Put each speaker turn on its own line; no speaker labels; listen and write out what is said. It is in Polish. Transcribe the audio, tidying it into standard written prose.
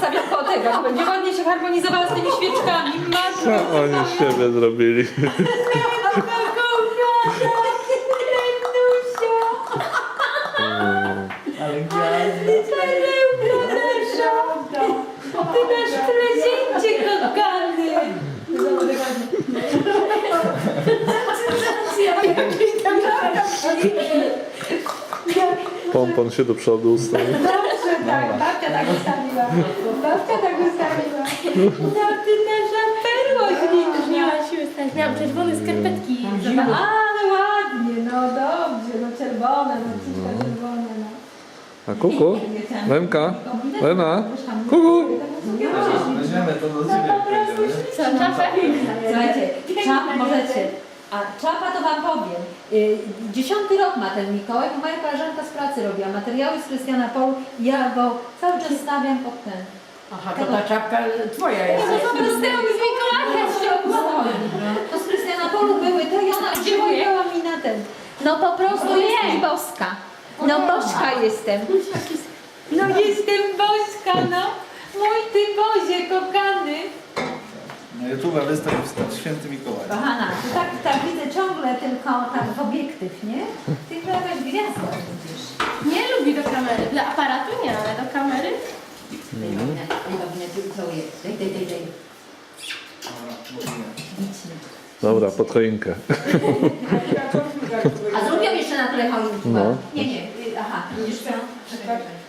postawiam koło tego, to będzie ładnie się harmonizowała z tymi świeczkami. Matko,
Co oni z siebie zrobili?
Ale gwiazda.
Ty masz prezencie, kochany.
Pompon się do przodu ustawił.
Dobrze, tak, babcia tak ustawiła. Babcia tak ustawiła. No ty nasza perła śliczna.
Miała siły stać. Miałam czerwone skarpetki.
Ale ładnie, no dobrze, no czerwone, no wszystko czerwone, no.
A kuku? Lemka? Lena? Kuku?
Weźmiemy to do ciebie.
Co, czapę?
Słuchajcie, czap możecie. A czapa to wam powiem. 10. rok ma ten Mikołaj, bo moja koleżanka z pracy robiła materiały z Krystiana Polu. Ja go cały czas stawiam pod ten.
Aha, to ta czapka twoja jest.
To po prostu z Mikołaja się obstoi. To z Krystiana Polu były te i ona dziękowała mi na ten. No po prostu jesteś boska. No boska jestem. No jestem boska, no. Mój ty Bozie, kochany.
Na YouTube wystawił Święty Mikołaj.
Kochana, to tak widzę ciągle tylko tak w obiektyw, nie? Ty chyba jakaś gwiazda będziesz.
Nie lubi do kamery. Dla aparatu nie, ale do kamery.
Daj.
Dobra, pod choinkę.
A zrobią jeszcze na trochę choinki?
No.
Nie, aha, widzisz co?